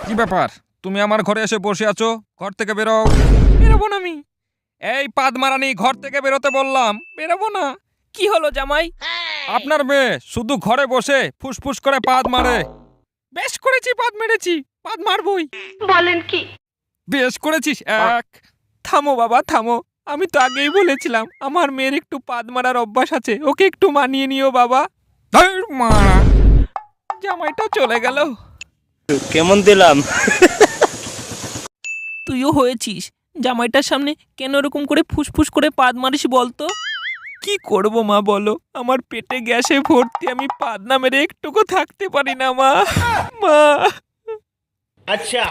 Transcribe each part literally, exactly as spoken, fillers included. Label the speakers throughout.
Speaker 1: কি ব্যাপার, তুমি আমার ঘরে এসে বসে আছো? ঘর থেকে বেরো। বেরোবো না আমি। এই পাদ মারানি, ঘর থেকে বেরোতে বললাম। বেরোবো না। কি হলো জামাই? আপনার মেয়ে শুধু ঘরে বসে ফুসফুস করে পাদ মারে। বেশ করেছি, পাদ মেরেছি, পাদ মারবই।
Speaker 2: বলেন কি?
Speaker 1: বেশ করেছিস এক। থামো বাবা থামো, আমি তো আগেই বলেছিলাম আমার মেয়ের একটু পাদ মারার অভ্যাস আছে, ওকে একটু মানিয়ে নিও বাবা। ধুর মারা, জামাইটা চলে গেল।
Speaker 3: কেমন দিলাম?
Speaker 4: তুইও হয়েছিস, জামাইটার সামনে কেন এরকম করে ফুসফুস করে পাদ মারিস বলতো? কি করব মা বলো, আমার পেটে গ্যাসে ভর্তি, আমি পাদ না মেরে একটুকু থাকতে পারি না মা। মা
Speaker 3: আচ্ছা।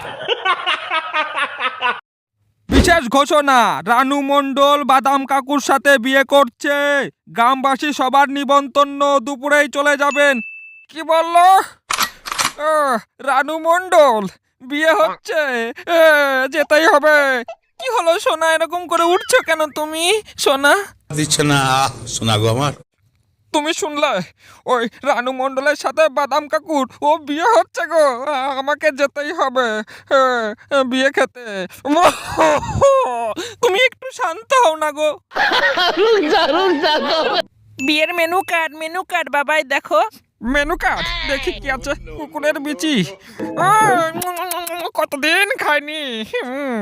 Speaker 1: বিশেষ ঘোষণা, রানু মণ্ডল বাদাম কাকুর সাথে বিয়ে করছে। গ্রামবাসী সবার নিমন্ত্রণ, দুপুরেই চলে যাবেন। কি বললো? আহ, রানু মণ্ডল বিয়ে হচ্ছে, এ, যেতেই হবে। কি হলো সোনা, এরকম করে উঠছো কেন তুমি? সোনা,
Speaker 5: দিচ্ছে না শোনা গো আমার।
Speaker 1: তুমি শুনলে? ওই রানু মণ্ডলের সাথে বাদাম কাকুর ও বিয়ে হচ্ছে গো। আমাকে যেতেই হবে এ, বিয়ে খেতে। তুমি একটু শান্ত হও না গো।
Speaker 4: বিয়ের মেনু কার্ড, মেনু কার্ড বাবাই দেখো।
Speaker 1: মেনু কার্ড দেখি কি আছে। কুকুরের বিচি, আহ, কতদিন খাইনি। হুম।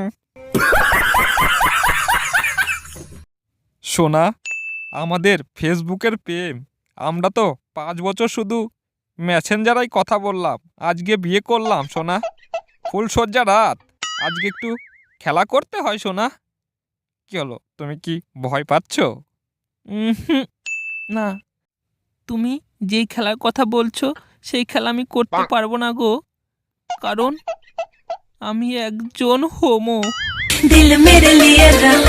Speaker 1: সোনা, আমাদের ফেসবুকের প্রেম, আমরা তো পাঁচ বছর শুধু মেসেঞ্জারাই কথা বললাম, আজকে বিয়ে করলাম সোনা। ফুলসজ্জা রাত, আজকে একটু খেলা করতে হয় সোনা। কি হলো, তুমি কি ভয় পাচ্ছ?
Speaker 4: উহুম, না, তুমি যেই খেলার কথা বলছো সেই খেলা আমি করতে পারবো না গো, কারণ আমি একজন হোমো।
Speaker 2: দিল মেরে লিয়ে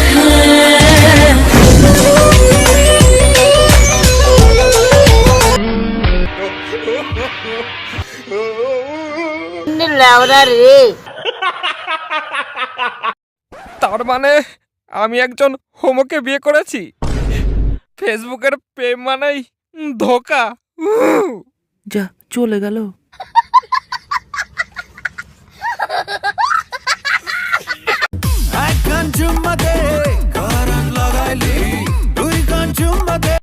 Speaker 2: রে।
Speaker 1: তার মানে আমি একজন হোমোকে বিয়ে করেছি? ফেসবুকের প্রেম মানেই ধোকা। উহ!
Speaker 4: যা চলে গেল।
Speaker 6: I come to my day.